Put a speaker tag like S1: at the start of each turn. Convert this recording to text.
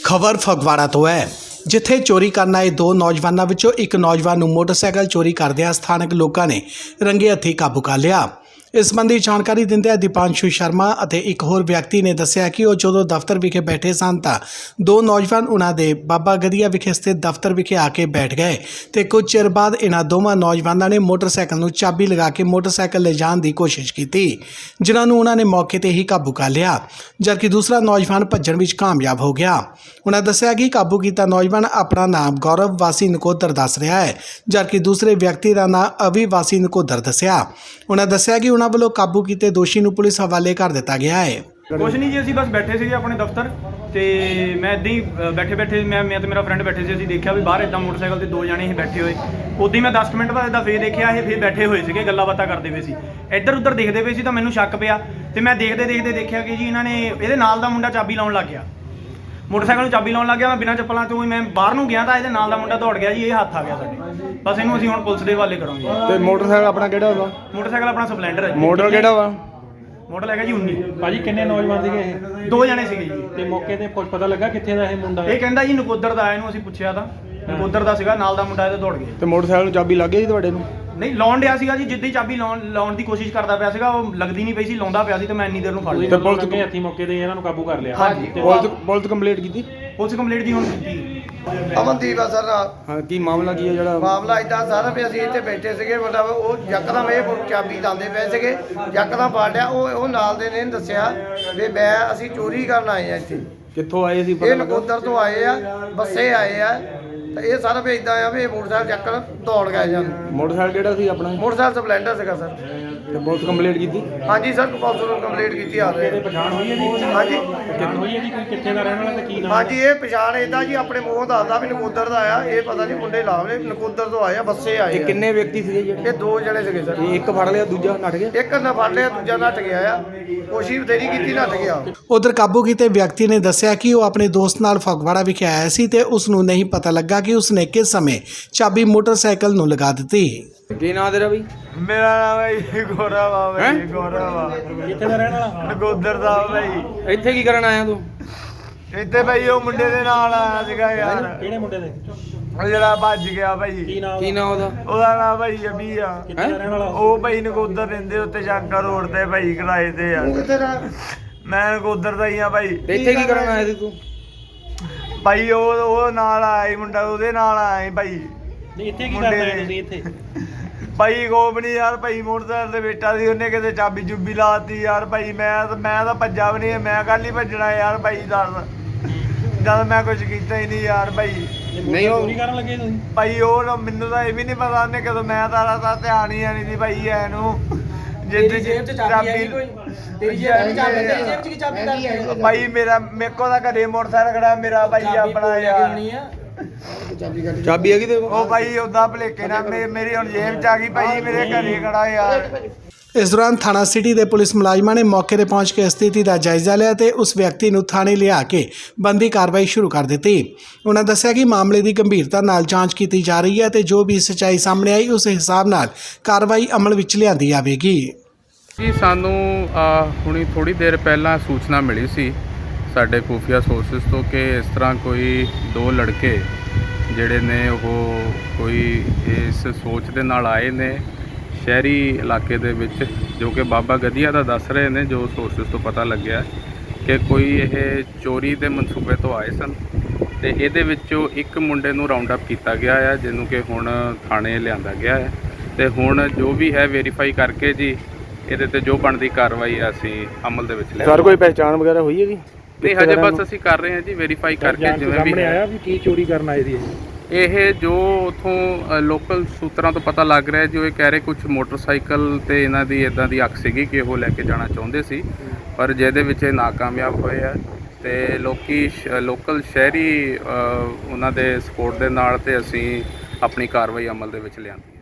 S1: ਖਬਰ ਫਗਵਾੜਾ ਤੋਂ ਹੈ, ਜਿੱਥੇ ਚੋਰੀ ਕਰਨ ਆਏ ਦੋ ਨੌਜਵਾਨਾਂ ਵਿੱਚੋਂ ਇੱਕ ਨੌਜਵਾਨ ਨੂੰ ਮੋਟਰਸਾਈਕਲ ਚੋਰੀ ਕਰਦਿਆਂ ਸਥਾਨਕ ਲੋਕਾਂ ਨੇ ਰੰਗੇ ਹੱਥੀਂ ਕਾਬੂ ਕਰ ਲਿਆ। ਇਸ ਸੰਬੰਧੀ ਜਾਣਕਾਰੀ ਦਿੰਦਿਆਂ ਦੀਪਾਂਸ਼ੂ ਸ਼ਰਮਾ ਅਤੇ ਇੱਕ ਹੋਰ ਵਿਅਕਤੀ ਨੇ ਦੱਸਿਆ ਕਿ ਉਹ ਜਦੋਂ ਦਫ਼ਤਰ ਵਿਖੇ ਬੈਠੇ ਸਨ ਤਾਂ ਦੋ ਨੌਜਵਾਨ ਉਹਨਾਂ ਦੇ ਬਾਬਾ ਗਦੀਆ ਵਿਖੇ ਸਥਿਤ ਦਫ਼ਤਰ ਵਿਖੇ ਆ ਕੇ ਬੈਠ ਗਏ ਤੇ ਕੁਝ ਚਿਰ ਬਾਅਦ ਇਹਨਾਂ ਦੋਵਾਂ ਨੌਜਵਾਨਾਂ ਨੇ ਮੋਟਰਸਾਈਕਲ ਨੂੰ ਚਾਬੀ ਲਗਾ ਕੇ ਮੋਟਰਸਾਈਕਲ ਲੈ ਜਾਣ ਦੀ ਕੋਸ਼ਿਸ਼ ਕੀਤੀ, ਜਿਨ੍ਹਾਂ ਨੂੰ ਉਹਨਾਂ ਨੇ ਮੌਕੇ ਤੇ ਹੀ ਕਾਬੂ ਕਰ ਲਿਆ, ਜਦਕਿ ਦੂਸਰਾ ਨੌਜਵਾਨ ਭੱਜਣ ਵਿੱਚ ਕਾਮਯਾਬ ਹੋ ਗਿਆ। ਉਹਨਾਂ ਦੱਸਿਆ ਕਿ ਕਾਬੂ ਕੀਤਾ ਨੌਜਵਾਨ ਆਪਣਾ ਨਾਮ ਗੌਰਵ ਵਾਸੀ ਨਕੋਦਰ ਦੱਸ ਰਿਹਾ ਹੈ, ਜਦਕਿ ਦੂਸਰੇ ਵਿਅਕਤੀ ਦਾ ਨਾਮ ਅਵੀ ਵਾਸੀ ਨਕੋਦਰ ਦੱਸਿਆ। ਉਹਨਾਂ ਦੱਸਿਆ ਕਿ ਉਹਨਾਂ ਵੱਲੋਂ ਕਾਬੂ ਕੀਤੇ ਦੋਸ਼ੀ ਨੂੰ ਪੁਲਿਸ ਹਵਾਲੇ ਕਰ ਦਿੱਤਾ ਗਿਆ ਹੈ।
S2: ਕੁਛ ਨਹੀਂ ਜੀ, ਅਸੀਂ ਬਸ ਬੈਠੇ ਸੀਗੇ ਆਪਣੇ ਦਫ਼ਤਰ ਤੇ ਮੈਂ ਇੱਦਾਂ ਹੀ ਬੈਠੇ ਮੈਂ ਤੇ ਮੇਰਾ ਫਰੈਂਡ ਬੈਠੇ ਸੀ। ਅਸੀਂ ਦੇਖਿਆ ਵੀ ਬਾਹਰ ਇੱਦਾਂ ਮੋਟਰਸਾਈਕਲ ਤੇ ਦੋ ਜਣੇ ਹੀ ਬੈਠੇ ਹੋਏ। ਉੱਦਾਂ ਹੀ ਮੈਂ 10 ਮਿੰਟ ਬਾਅਦ ਇੱਦਾਂ ਫੇਰ ਦੇਖਿਆ ਇਹ ਫੇਰ ਬੈਠੇ ਹੋਏ ਸੀਗੇ, ਗੱਲਾਂ ਬਾਤਾਂ ਕਰਦੇ ਪਏ ਸੀ, ਇੱਧਰ ਉੱਧਰ ਦੇਖਦੇ ਪਏ ਸੀ। ਤਾਂ ਮੈਨੂੰ ਸ਼ੱਕ ਪਿਆ ਤੇ ਮੈਂ ਦੇਖਦੇ ਦੇਖਿਆ ਕਿ ਜੀ ਇਹਨਾਂ ਨੇ ਇਹਦੇ ਨਾਲ ਦਾ ਮੁੰਡਾ ਚਾਬੀ ਲਾਉਣ ਲੱਗ ਗਿਆ, ਮੋਟਰਸਾਈਕਲ ਨੂੰ ਚਾਬੀ ਲਾਉਣ ਲੱਗ ਗਿਆ। ਮੈਂ ਬਿਨਾਂ ਚੱਪਲਾਂ ਤੋਂ ਹੀ ਮੈਂ ਬਾਹਰ ਨੂੰ ਗਿਆ ਤਾਂ ਇਹਦੇ ਨਾਲ ਦਾ ਮੁੰਡਾ ਦੌੜ ਗਿਆ ਜੀ, ਇਹ ਹੱਥ ਆ ਗਿਆ ਸਾਡੇ। ਬਸ ਇਹਨੂੰ ਅਸੀਂ ਹੁਣ ਪੁਲਿਸ ਦੇ ਹਵਾਲੇ ਕਰਾਂਗੇ।
S3: ਤੇ ਮੋਟਰਸਾਈਕਲ ਆਪਣਾ ਕਿਹੜਾ ਵਾ?
S2: ਮੋਟਰਸਾਈਕਲ ਆਪਣਾ ਸਪਲੈਂਡਰ ਹੈ ਜੀ।
S3: ਮਾਡਲ ਕਿਹੜਾ ਵਾ?
S2: ਮਾਡਲ ਹੈਗਾ ਜੀ 19।
S4: ਭਾਜੀ ਕਿੰਨੇ ਨੌਜਵਾਨ ਸੀਗੇ ਇਹ?
S2: ਦੋ ਜਣੇ ਸੀਗੇ ਜੀ।
S4: ਤੇ ਮੌਕੇ ਤੇ ਕੁਝ ਪਤਾ ਲੱਗਾ ਕਿੱਥੇ ਦਾ ਇਹ ਮੁੰਡਾ ਹੈ?
S2: ਇਹ ਕਹਿੰਦਾ ਜੀ ਨਕੋਦਰ ਦਾ। ਇਹਨੂੰ ਅਸੀਂ ਪੁੱਛਿਆ ਤਾਂ ਨਕੋਦਰ ਦਾ ਸੀਗਾ, ਨਾਲ ਦਾ ਮੁੰਡਾ ਇਹਦੇ ਦੌੜ ਗਿਆ।
S3: ਤੇ ਮੋਟਰਸਾਈਕਲ ਨੂੰ ਚਾਬੀ ਲੱਗ ਗਈ ਸੀ ਤੁਹਾਡੇ ਨੂੰ?
S2: ਨਹੀਂ, ਲਾਉਣ ਡਿਆ ਸੀਗਾ ਜੀ। ਜਿੱਦਾਂ ਹੀ ਚਾਬੀ ਲਾਉਣ ਦੀ ਕੋਸ਼ਿਸ਼ ਕਰਦਾ ਪਿਆ ਸੀਗਾ, ਉਹ ਲੱਗਦੀ ਨਹੀਂ ਪਈ ਸੀ, ਲਾਉਂਦਾ ਪਿਆ ਸੀ ਤੇ ਮੈਂ ਇੰਨੀ ਦੇਰ ਨੂੰ ਫੜ ਲਿਆ।
S4: ਤੇ ਪੁਲਿਸ ਕੇ ਹੱਥੀ ਮੌਕੇ ਤੇ ਇਹਨਾਂ ਨੂੰ ਕਾਬੂ ਕਰ ਲਿਆ।
S2: ਹਾਂਜੀ,
S3: ਪੁਲਿਸ ਕੰਪਲੀਟ ਕੀਤੀ?
S2: ਪੁਲਿਸ ਕੰਪਲੀਟ ਜੀ ਹੁਣ ਕੀਤੀ।
S5: ਅਮਨਦੀਪ ਆ ਸਰ।
S3: ਹਾਂ, ਕੀ ਮਾਮਲਾ ਕੀ ਹੈ ਜਿਹੜਾ?
S5: ਮਾਮਲਾ ਇਦਾਂ ਸਾਰਾ ਵੀ ਅਸੀਂ ਇੱਥੇ ਬੈਠੇ ਸੀਗੇ, ਮਤਲਬ ਉਹ ਯਕਦਮ ਇਹ ਚਾਬੀ ਲਾਉਂਦੇ ਪਏ ਸੀਗੇ, ਯਕਦਮ ਫੜ ਲਿਆ। ਉਹ ਨਾਲ ਦੇ ਨੇ ਦੱਸਿਆ ਵੀ ਅਸੀਂ ਚੋਰੀ ਕਰਨ ਆਏ ਆ ਇੱਥੇ।
S3: ਕਿੱਥੋਂ ਆਏ ਸੀ?
S5: ਇਹ ਨਕੋਦਰ ਤੋਂ ਆਏ ਆ, ਬੱਸੇ ਆਏ ਆ। ਤੇ ਇਹ ਸਾਰਾ ਵੀ ਇਦਾਂ ਆ ਵੀ ਮੋਟਰਸਾਈਕਲ ਚੱਕਰ ਦੌੜ ਗਏ ਜਾਨ।
S3: ਮੋਟਰਸਾਈਕਲ ਕਿਹੜਾ ਸੀ ਆਪਣਾ?
S5: ਮੋਟਰਸਾਈਕਲ ਸਪਲੈਂਡਰ ਸੀਗਾ ਸਰ।
S3: ਤੇ ਪੁਲਿਸ ਕੰਪਲੀਟ ਕੀਤੀ?
S5: ਹਾਂਜੀ ਸਰ, ਪੁਲਿਸ ਨੂੰ ਕੰਪਲੀਟ ਕੀਤੀ ਆ ਰਹੇ।
S4: ਪਛਾਣ ਹੋਈ ਹੈ ਜੀ?
S5: ਹਾਂਜੀ,
S4: ਪਛਾਣ ਹੋਈ ਹੈ ਜੀ ਕੋਈ ਕਿੱਥੇ ਦਾ ਰਹਿਣ ਵਾਲਾ ਤੇ ਕੀ ਨਾਮ?
S5: ਹਾਂਜੀ, ਇਹ ਪਛਾਣ ਇਦਾਂ ਜੀ ਆਪਣੇ ਮੂੰਹੋਂ ਦੱਸਦਾ ਵੀ ਨਕੋਦਰ ਦਾ ਆਇਆ। ਇਹ ਪਤਾ ਨਹੀਂ ਮੁੰਡੇ ਲਾਵਲੇ ਨਕੋਦਰ ਤੋਂ ਆਏ ਆ, ਬੱਸੇ ਆਏ
S3: ਤੇ
S5: ਆ।
S3: ਕਿੰਨੇ ਵਿਅਕਤੀ ਸੀਗੇ ਜਿਹੜੇ?
S5: ਇਹ ਦੋ ਜਣੇ ਸੀਗੇ ਸਰ।
S3: ਇੱਕ ਫੜ ਲਿਆ, ਦੂਜਾ ਨੱਠ ਗਿਆ?
S5: ਇੱਕ ਨਾ ਫੜ ਲਿਆ, ਦੂਜਾ ਨੱਠ ਗਿਆ ਆ। ਕੋਸ਼ਿਸ਼ ਬਥੇਰੀ ਕੀਤੀ, ਨੱਠ ਗਿਆ।
S1: ਉਧਰ ਕਾਬੂ ਕੀਤੇ ਵਿਅਕਤੀ ਨੇ ਦੱਸਿਆ ਕਿ ਉਹ ਆਪਣੇ ਦੋਸਤ ਨਾਲ ਫਗਵਾੜਾ ਵਿਖੇ ਆਇਆ ਸੀ ਤੇ ਉਸ ਨੂੰ ਨਹੀਂ ਪਤਾ ਲੱਗਾ ਕਿ ਉਸਨੇ ਕਿਸ ਸਮੇਂ ਚਾਬੀ ਮੋਟਰਸਾਈਕਲ ਨੂੰ ਲਗਾ ਦਿੱਤੀ।
S3: ਕੀ ਨਾਂ ਤੇਰਾ ਬਈ?
S5: ਮੇਰਾ ਨਾਮ ਹੈ ਜੀ ਗੌਰਵ ਆ ਬਈ। ਗੌਰਵ ਆ,
S4: ਕਿੱਥੇ ਦਾ ਰਹਿਣ ਵਾਲਾ?
S5: ਨਕੋਦਰ ਦਾ ਬਈ।
S3: ਇੱਥੇ ਕੀ ਕਰਨ ਆਇਆ ਤੂੰ?
S5: ਇੱਥੇ ਬਈ ਉਹ ਮੁੰਡੇ ਦੇ ਨਾਲ ਆਇਆ ਸੀਗਾ ਯਾਰ,
S4: ਕਿਹੜੇ ਮੁੰਡੇ ਦੇ?
S5: ਉਹ ਜਿਹੜਾ ਭੱਜ ਗਿਆ ਭਾਈ।
S4: ਕੀ ਨਾਮ?
S3: ਕੀ ਨਾਂ ਉਹਦਾ?
S5: ਉਹਦਾ ਨਾਮ ਭਾਈ ਅਬੀ ਆ।
S4: ਕਿੱਥੇ ਦਾ ਰਹਿਣ ਵਾਲਾ?
S5: ਉਹ ਭਾਈ ਨਕੋਦਰ ਰਹਿੰਦੇ ਉੱਤੇ ਸ਼ਾਂਕਾ ਰੋਡ ਤੇ ਭਾਈ ਕਿਰਾਏ ਤੇ ਆ। ਮੈਂ ਨਕੋਦਰ ਦਾ ਹੀ ਆ ਭਾਈ।
S3: ਤੇ ਇੱਥੇ ਕੀ ਕਰਨ ਆਇਆ ਸੀ ਤੂੰ?
S5: ਭਾਈ ਉਹ ਨਾਲ ਆਇਆ ਸੀ ਮੁੰਡਾ, ਉਹਦੇ ਨਾਲ ਆਇਆ ਸੀ ਭਾਈ।
S4: ਨਹੀਂ, ਇੱਥੇ ਕੀ ਕਰਦੇ ਰਹੇ ਤੁਸੀਂ ਇੱਥੇ?
S5: ਭਾਈ ਗੋਬਣੀ ਯਾਰ, ਭਾਈ ਮੋਟਰਸਾਈਕਲ ਤੇ ਬੈਠਾ ਸੀ, ਉਹਨੇ ਕਿਤੇ ਚਾਬੀ ਚੁੱਬੀ ਲਾਤੀ ਯਾਰ। ਭਾਈ ਮੈਂ ਤਾਂ ਭੱਜਾ ਵੀ ਨਹੀਂ, ਮੈਂ ਕੱਲ ਹੀ ਭੱਜਣਾ ਯਾਰ। ਭਾਈ ਦੱਸ, ਜਦ ਮੈਂ ਕੁਝ ਕੀਤਾ ਹੀ ਨਹੀਂ ਯਾਰ। ਭਾਈ
S3: ਨਹੀਂ, ਉਹ
S4: ਚੋਰੀ ਕਰਨ ਲੱਗੇ ਤੁਸੀਂ?
S5: ਭਾਈ ਉਹ ਮੈਨੂੰ ਤਾਂ ਇਹ ਵੀ ਨਹੀਂ ਪਤਾ ਉਹਨੇ ਕਦੋਂ। ਮੈਂ ਤਾਂ ਧਿਆਨ ਹੀ ਨਹੀਂ ਸੀ ਭਾਈ ਐਨੂੰ। ਜਿੱਦ ਜੇਬ ਚ ਚਾਬੀ ਹੈ ਕੋਈ? ਤੇਰੀ ਜੇਬ ਚ ਚਾਬੀ? ਤੇਰੀ ਜੇਬ ਚ ਕੀ ਚਾਬੀ ਕਰਦੀ? ਭਾਈ ਮੇਰੇ ਕੋਲ ਤਾਂ ਘਰੇ ਮੋਟਰਸਾਈਕਲ ਖੜਾ ਮੇਰਾ ਭਾਈ ਆਪਣਾ ਯਾਰ।
S3: ਚਾਬੀ ਹੈਗੀ ਤੇ
S5: ਉਹ ਭਾਈ ਉਦਾਂ ਭਲੇਕੇ ਨਾਲ ਮੇਰੀ ਹੁਣ ਜੇਬ ਚ ਆ ਗਈ ਭਾਈ, ਮੇਰੇ ਘਰੇ ਖੜਾ ਯਾਰ।
S1: ਇਸ ਦੌਰਾਨ ਥਾਣਾ ਸਿਟੀ ਦੇ ਪੁਲਿਸ ਮੁਲਾਜ਼ਮਾਂ ਨੇ ਮੌਕੇ ਤੇ ਪਹੁੰਚ ਕੇ ਸਥਿਤੀ ਦਾ ਜਾਇਜ਼ਾ ਲਿਆ ਤੇ ਉਸ ਵਿਅਕਤੀ ਨੂੰ ਥਾਣੇ ਲਿਆ ਕੇ ਬੰਦੀ ਕਾਰਵਾਈ ਸ਼ੁਰੂ ਕਰ ਦਿੱਤੀ। ਉਹਨਾਂ ਦੱਸਿਆ ਕਿ ਮਾਮਲੇ ਦੀ ਗੰਭੀਰਤਾ ਨਾਲ ਜਾਂਚ ਕੀਤੀ ਜਾ ਰਹੀ ਹੈ ਤੇ ਜੋ ਵੀ ਸੱਚਾਈ ਸਾਹਮਣੇ ਆਈ ਉਸ ਹਿਸਾਬ ਨਾਲ ਕਾਰਵਾਈ ਅਮਲ ਵਿੱਚ ਲਿਆਂਦੀ ਜਾਵੇਗੀ।
S6: ਜੀ ਸਾਨੂੰ ਹੁਣੀ ਥੋੜੀ ਦੇਰ ਪਹਿਲਾਂ ਸੂਚਨਾ ਮਿਲੀ ਸੀ ਸਾਡੇ ਖੂਫੀਆ ਸੋਰਸਿਸ ਤੋਂ ਕਿ ਇਸ ਤਰ੍ਹਾਂ ਕੋਈ ਦੋ ਲੜਕੇ ਜਿਹੜੇ ਨੇ ਉਹ ਕੋਈ ਇਸ ਸੋਚ ਦੇ ਨਾਲ ਆਏ ਨੇ ਸ਼ਹਿਰੀ ਇਲਾਕੇ ਦੇ ਵਿੱਚ, ਜੋ ਕਿ ਬਾਬਾ ਗਦੀਆ ਦਾ ਦੱਸ ਰਹੇ ਨੇ। ਜੋ ਸੋਰਸਿਸ ਤੋਂ ਪਤਾ ਲੱਗਿਆ ਕਿ ਕੋਈ ਇਹ ਚੋਰੀ ਦੇ ਮਨਸੂਬੇ ਤੋਂ ਆਏ ਸਨ ਤੇ ਇਹਦੇ ਵਿੱਚੋਂ ਇੱਕ ਮੁੰਡੇ ਨੂੰ ਰਾਉਂਡ ਅਪ ਕੀਤਾ ਗਿਆ ਹੈ, ਜਿਹਨੂੰ ਕਿ ਹੁਣ ਥਾਣੇ ਲਿਆਂਦਾ ਗਿਆ ਹੈ ਤੇ ਹੁਣ ਜੋ ਵੀ ਹੈ ਵੈਰੀਫਾਈ ਕਰਕੇ ਜੀ ਇਹਦੇ ਤੇ ਜੋ ਬਣਦੀ ਕਾਰਵਾਈ ਅਸੀਂ ਅਮਲ ਦੇ ਵਿੱਚ ਲਿਆ।
S3: ਸਰ ਕੋਈ ਪਹਿਚਾਣ ਵਗੈਰਾ ਹੋਈ ਹੈ ਜੀ?
S6: ਨਹੀਂ, ਹਜੇ ਬਸ ਅਸੀਂ ਕਰ ਰਹੇ ਹਾਂ ਜੀ ਵੈਰੀਫਾਈ ਕਰਕੇ। ਜਿਵੇਂ ਵੀ
S4: ਆਇਆ ਵੀ ਕੀ ਚੋਰੀ ਕਰਨ ਆਏ ਸੀ
S6: ਇਹ ਜੋ ਉਥੋਂ ਲੋਕਲ ਸੂਤਰਾਂ ਤੋਂ ਪਤਾ ਲੱਗ ਰਿਹਾ ਜੋ ਇਹ ਕਹਿ ਰਹੇ ਕੁਝ ਮੋਟਰਸਾਈਕਲ ਤੇ ਇਹਨਾਂ ਦੀ ਇਦਾਂ ਦੀ ਅੱਖ ਸੀਗੀ ਕਿ ਉਹ ਲੈ ਕੇ ਜਾਣਾ ਚਾਹੁੰਦੇ ਸੀ, ਪਰ ਜਿਹਦੇ ਵਿੱਚ ਇਹ ਨਾਕਾਮਯਾਬ ਹੋਏ ਆ ਤੇ ਲੋਕਲ ਸ਼ਹਿਰੀ ਉਹਨਾਂ ਦੇ ਸਪੋਰਟ ਦੇ ਨਾਲ ਤੇ ਅਸੀਂ ਆਪਣੀ ਕਾਰਵਾਈ ਅਮਲ ਦੇ ਵਿੱਚ ਲਿਆਂਦੀ।